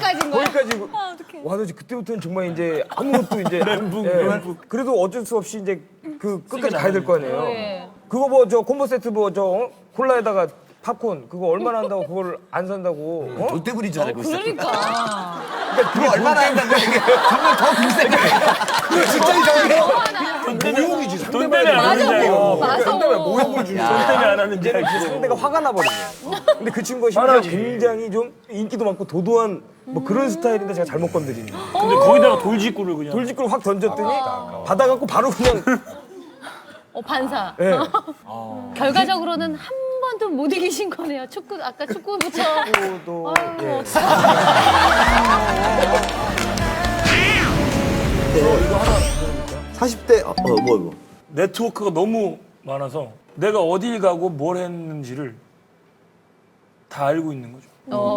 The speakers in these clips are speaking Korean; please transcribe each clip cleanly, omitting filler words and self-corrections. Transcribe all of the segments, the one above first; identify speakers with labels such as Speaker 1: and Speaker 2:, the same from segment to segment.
Speaker 1: 빠진 거야?
Speaker 2: 거기까지.
Speaker 1: 어떡해.
Speaker 2: 와, 너 그때부터는 정말 이제 아무것도 이제 그래도 어쩔 수 없이 이제 그 끝까지 가야 될 거 아니에요.
Speaker 1: 네.
Speaker 2: 그거 뭐 저 콤보 세트 뭐 저 콜라에다가 팝콘 그거 얼마나 한다고 그걸 안 산다고? 어?
Speaker 3: 돈대부린 줄 알고 있어.
Speaker 1: 그러니까.
Speaker 3: 그거 얼마나 한다고 이게 정말 더 비싸게. 그게 진짜 이상해. 모욕이지.
Speaker 4: 돈 때문에 안 하는 줄 알고.
Speaker 1: 맞아.
Speaker 2: 상대가 모욕을 주는
Speaker 4: 돈 때문에 안 하는 줄
Speaker 2: 이제는 그
Speaker 4: 알고.
Speaker 2: 상대가 화가 나버린 거예요. 근데 그 친구가 심지어 굉장히 좀 인기도 많고 도도한 뭐 그런 스타일인데 제가 잘못 건드리는 거예요.
Speaker 4: 근데 거기다가 돌직구를 그냥.
Speaker 2: 돌직구를 확 던졌더니 받아갖고 바로 그냥
Speaker 1: 반사.
Speaker 2: 예.
Speaker 1: 결과적으로는 한 번도 못 이기신 거네요. 아까 축구부터.
Speaker 2: 또
Speaker 1: 아유,
Speaker 3: 40대 뭐 이거.
Speaker 4: 네트워크가 너무 많아서 내가 어딜 가고 뭘 했는지를 다 알고 있는 거죠.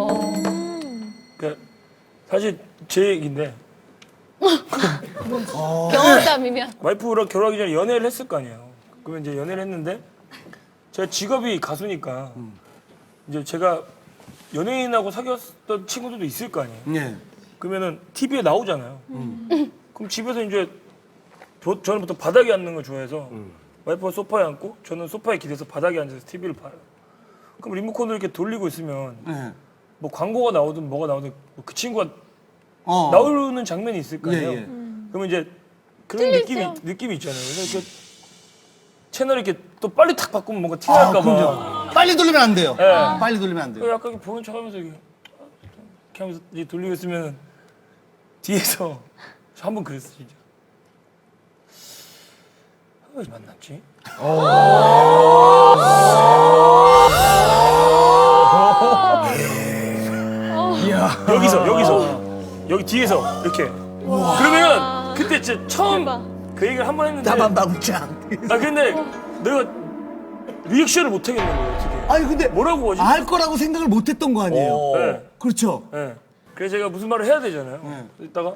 Speaker 4: 그러니까 사실 제 얘기인데
Speaker 1: 경험담이면.
Speaker 4: 와이프랑 결혼하기 전에 연애를 했을 거 아니에요. 그러면 이제 연애를 했는데 제가 직업이 가수니까 이제 제가 연예인하고 사귀었던 친구들도 있을 거 아니에요.
Speaker 3: 네.
Speaker 4: 그러면은 TV에 나오잖아요. 그럼 집에서 이제 저는 보통 바닥에 앉는 걸 좋아해서 와이프가 소파에 앉고 저는 소파에 기대서 바닥에 앉아서 TV를 봐요. 그럼 리모컨을 이렇게 돌리고 있으면
Speaker 3: 네.
Speaker 4: 뭐 광고가 나오든 뭐가 나오든 뭐그 친구가
Speaker 3: 어.
Speaker 4: 나오는 장면이 있을 거 아니에요.
Speaker 3: 예, 예.
Speaker 4: 그러면 이제 그런 느낌이 있잖아요. 그래서 이렇게 채널 이렇게 또 빨리 탁 바꾸면 뭔가 티날까 봐.
Speaker 3: 빨리 돌리면 안 돼요.
Speaker 4: 네.
Speaker 3: 빨리 돌리면 안 돼요.
Speaker 4: 약간 이렇게 보는 척하면서 이렇게 하면서 이렇게 돌리고 있으면 뒤에서 저 한 번 그랬어 진짜. 왜 만났지? 여기서 여기 뒤에서 이렇게 그러면 그때 진짜 처음 그 얘기를 한 번 했는데
Speaker 3: 나만방장.
Speaker 4: 아 근데 내가 리액션을 못 하겠는 거예요 어떻게.
Speaker 3: 아니 근데
Speaker 4: 뭐라고 하지?
Speaker 3: 알 거라고 생각을 못 했던 거 아니에요.
Speaker 4: 네.
Speaker 3: 그렇죠.
Speaker 4: 네. 그래서 제가 무슨 말을 해야 되잖아요.
Speaker 3: 네.
Speaker 4: 이따가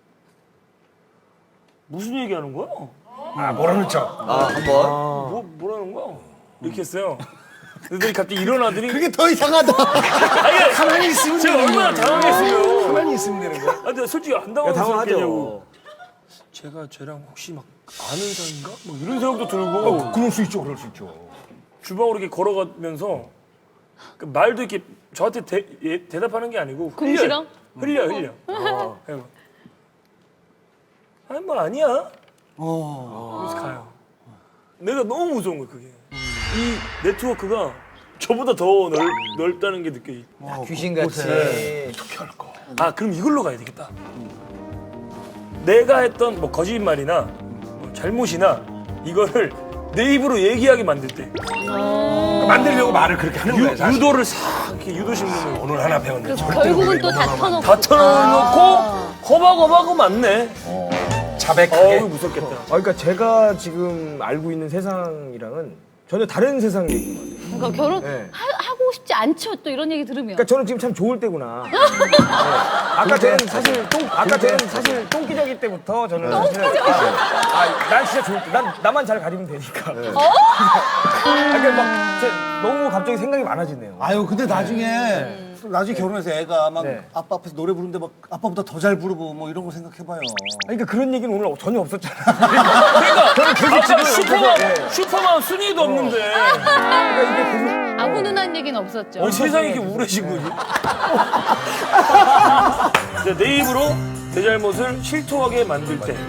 Speaker 4: 무슨 얘기하는 거야?
Speaker 2: 아 뭐라는 척.
Speaker 3: 한번.
Speaker 4: 뭐라는 거야? 이렇게 했어요. 그랬더니 갑자기 일어나더니
Speaker 3: 그게 더 이상하다.
Speaker 4: 아니,
Speaker 2: 가만히 있으면
Speaker 4: 제가 얼마나 당황했어요.
Speaker 2: 가만히 있으면 되는 거야.
Speaker 4: 아, 근데 솔직히 안
Speaker 2: 당황하죠.
Speaker 4: 당황했겠냐고. 제가 쟤랑 혹시 막 아는 사이인가? 뭐 이런 생각도 들고
Speaker 2: 그럴 수 있죠, 그럴 수 있죠.
Speaker 4: 주방으로 이렇게 걸어가면서 그 말도 이렇게 저한테 대답하는 게 아니고
Speaker 1: 궁시렁?
Speaker 4: 흘려. 그리고 아니 뭐 아니야. 그래서 가요. 내가 너무 무서운 거야 그게. 이 네트워크가 저보다 더 넓다는 게 느껴지.
Speaker 5: 귀신같이.
Speaker 4: 어떻게 할까? 아 그럼 이걸로 가야 되겠다. 내가 했던 뭐 거짓말이나 뭐 잘못이나 이거를 내 입으로 얘기하게 만들 때
Speaker 2: 만들려고 말을 그렇게 하는 거예요, 사실.
Speaker 4: 유도를 싹 이렇게 유도 심는 거.
Speaker 2: 오늘 하나 배웠네.
Speaker 1: 결국은 또 다 터놓고.
Speaker 4: 다 털어놓고 허박허박하고 맞네.
Speaker 2: 자백하게.
Speaker 4: 어우 무섭겠다.
Speaker 2: 그러니까 제가 지금 알고 있는 세상이랑은 전혀 다른 세상 얘기인 것 같아요.
Speaker 1: 그러니까 결혼
Speaker 2: 네.
Speaker 1: 하고 싶지 않죠. 또 이런 얘기 들으면.
Speaker 2: 그러니까 저는 지금 참 좋을 때구나. 네. 아까 저는 사실 똥기저귀 때부터 저는 사실 난 진짜 좋을 때, 나만 잘 가리면 되니까. 그러니까 막 너무 갑자기 생각이 많아지네요.
Speaker 3: 아유 근데 나중에 결혼해서 애가 막
Speaker 2: 네.
Speaker 3: 아빠 앞에서 노래 부르는데 막 아빠보다 더 잘 부르고 뭐 이런 거 생각해봐요.
Speaker 2: 그러니까 그런 얘기는 오늘 전혀 없었잖아요.
Speaker 4: 그러니까
Speaker 2: 계속
Speaker 4: 아까
Speaker 2: 지금
Speaker 4: 슈퍼만 순위도 없는데
Speaker 2: 그러니까 이게 계속
Speaker 1: 아무 눈한 얘기는 없었죠.
Speaker 4: 세상이 이렇게 우울해진 거지. 이제 내 입으로 내 잘못을 실토하게 만들 때.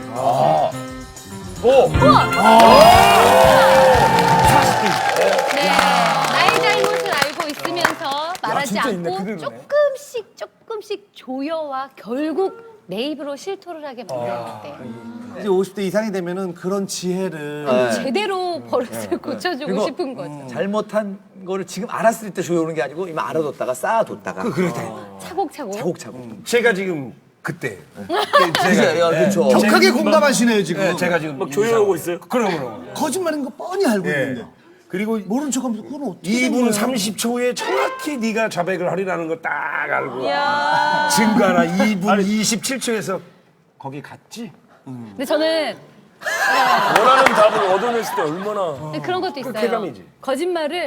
Speaker 1: 네, 나의 잘못을 알고 있으면서 말하지
Speaker 2: 진짜 있네,
Speaker 1: 않고
Speaker 2: 그대로네.
Speaker 1: 조금씩 조여와 결국 내 입으로 실토를 하게 만들 때
Speaker 3: 이제 50대 이상이 되면은 그런 지혜를
Speaker 1: 제대로 버릇을 고쳐주고
Speaker 5: 그리고
Speaker 1: 싶은 거죠.
Speaker 5: 잘못한 거를 지금 알았을 때 조여오는 게 아니고 이미 알아뒀다가 쌓아뒀다가.
Speaker 1: 차곡차곡.
Speaker 5: 차곡차곡.
Speaker 2: 제가 지금 그때
Speaker 5: 그렇죠.
Speaker 3: 격하게 공감하시네요 지금.
Speaker 2: 제가 지금
Speaker 4: 막 조여오고 있어요.
Speaker 2: 그럼
Speaker 3: 거짓말인 거 뻔히 알고
Speaker 2: 예.
Speaker 3: 있는데
Speaker 2: 그리고
Speaker 3: 모른 척하면서 그건 어떻게
Speaker 2: 2분
Speaker 3: 된 거야?
Speaker 2: 30초에 정확히 네가 자백을 하리라는 거 딱 알고 증거 하나 2분 27초에서 거기 갔지?
Speaker 1: 근데 저는
Speaker 4: 원하는 답을 얻어냈을 때 얼마나
Speaker 1: 그런 것도 있어요.
Speaker 2: 쾌감이지.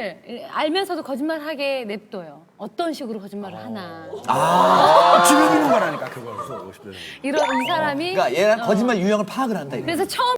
Speaker 1: 거짓말을 알면서도 거짓말하게 냅둬요. 어떤 식으로 거짓말을 하나.
Speaker 3: 지금
Speaker 1: 이런 이 사람이
Speaker 5: 그러니까 얘는 거짓말 유형을 파악을 한다. 이거.
Speaker 1: 그래서 처음